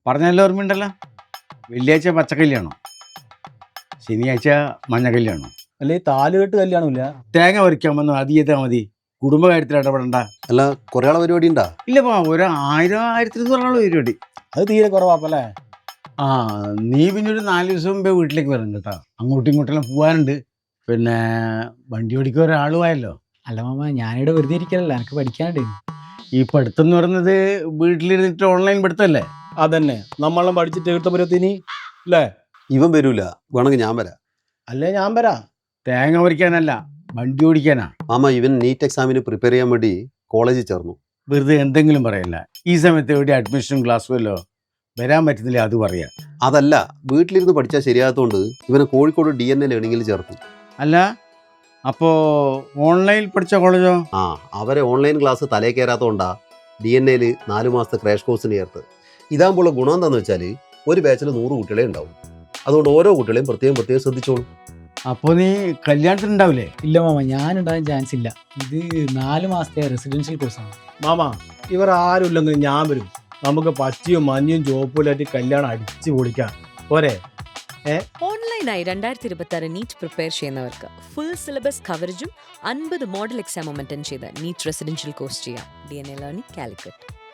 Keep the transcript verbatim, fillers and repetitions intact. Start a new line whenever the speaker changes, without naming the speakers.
പറഞ്ഞല്ലോ ഓർമ്മയുണ്ടല്ലോ, വെള്ളിയാഴ്ച പച്ചക്കല്യാണം, ശനിയാഴ്ച മഞ്ഞക്കല്യാണം.
അല്ലെ താലുകെട്ട് കല്യാണമില്ല.
തേങ്ങ പറിക്കാൻ വന്നു അത് ചെയ്താൽ മതി, കുടുംബകാര്യത്തിൽ ഇടപെടണ്ട.
അല്ല കുറേ ആളെ പരിപാടി ഉണ്ടാ?
ഇല്ലപ്പാ, ഒരു ആയിരം ആയിരത്തി ഇരുന്നൂറാളെ പരിപാടി.
അത് തീരെ കുറവാപ്പല്ലേ.
ആ നീ പിന്നെ ഒരു നാല് ദിവസം മുമ്പേ വീട്ടിലേക്ക് വരണം കേട്ടോ. അങ്ങോട്ടും ഇങ്ങോട്ടെല്ലാം പോകാനുണ്ട്. പിന്നെ വണ്ടി ഓടിക്കാൻ ഒരാളുമായല്ലോ.
അല്ല മാമ, ഞാനിവിടെ വെറുതെ ഇരിക്കലല്ല, എനിക്ക് പഠിക്കാനുണ്ട്.
ഈ പഠിത്തം എന്ന് പറയുന്നത് വീട്ടിലിരുന്നിട്ട് ഓൺലൈൻ പഠിത്തമല്ലേ?
അതന്നെ, നമ്മളെല്ലാം പഠിച്ചിട്ട് എടുത്തപ്പുറത്തിനി അല്ലേ.
ഇവൻ വരൂല, വേണമെങ്കിൽ ഞാൻ വരാം.
അല്ലേ ഞാൻ വരാ.
തേങ്ങ പറിക്കാനല്ല, വണ്ടി ഓടിക്കാനാ.
മാമ ഇവൻ നീറ്റ് എക്സാമിന് പ്രിപ്പയർ ചെയ്യാൻ വേണ്ടി കോളേജിൽ ചേർന്നു.
വെറുതെ എന്തെങ്കിലും പറയല്ല. ഈ സമയത്ത് എവിടെ അഡ്മിഷനും ക്ലാസ്സുമല്ലോ, വരാൻ പറ്റുന്നില്ല അത് പറയാ.
അതല്ല, വീട്ടിലിരുന്ന് പഠിച്ചാൽ ശരിയാകത്തോണ്ട് ഇവനെ കോഴിക്കോട് ഡി എൻ എ ലേണിംഗിൽ ചേർത്തു.
അല്ല അപ്പോൾ ഓൺലൈനിൽ പഠിച്ച കോളേജോ?
ആ അവരെ ഓൺലൈൻ ക്ലാസ് തലേ കയറാത്തതുകൊണ്ടാ ഡി എൻ എയിൽ നാല് മാസത്തെ ക്രാഷ് കോഴ്സിന് ചേർത്ത്. ഇതാകുമ്പോൾ ഗുണം എന്താണെന്ന് വെച്ചാൽ ഒരു ബാച്ചിൽ നൂറ് കുട്ടികളെ ഉണ്ടാവും. അതുകൊണ്ട് ഓരോ കുട്ടികളെയും പ്രത്യേകം പ്രത്യേകം ശ്രദ്ധിച്ചോളൂ.
അപ്പോൾ നീ കല്യാണത്തിനുണ്ടാവില്ലേ?
ഇല്ല മാമ, ഞാനുണ്ടാകാൻ ചാൻസ് ഇല്ല. ഇത് നാല് മാസത്തെ റെസിഡൻഷ്യൽ കോഴ്സാണ്.
മാമ ഇവർ ആരും ഇല്ലെങ്കിലും ഞാൻ വരും. നമുക്ക് പച്ചയും മഞ്ഞയും ചുവപ്പിലായിട്ട് കല്യാണം അടിച്ചു പൊളിക്കാം പോരെ.
ഓൺലൈനായി രണ്ടായിരത്തി ഇരുപത്തി ആറ് നീറ്റ് പ്രിപ്പയർ ചെയ്യുന്നവർക്ക് ഫുൾ സിലബസ് കവറേജും അൻപത് മോഡൽ എക്സാമും അറ്റൻഡ് ചെയ്ത് നീറ്റ് റെസിഡൻഷ്യൽ കോഴ്സ് ചെയ്യാം. D N A learning Calicut.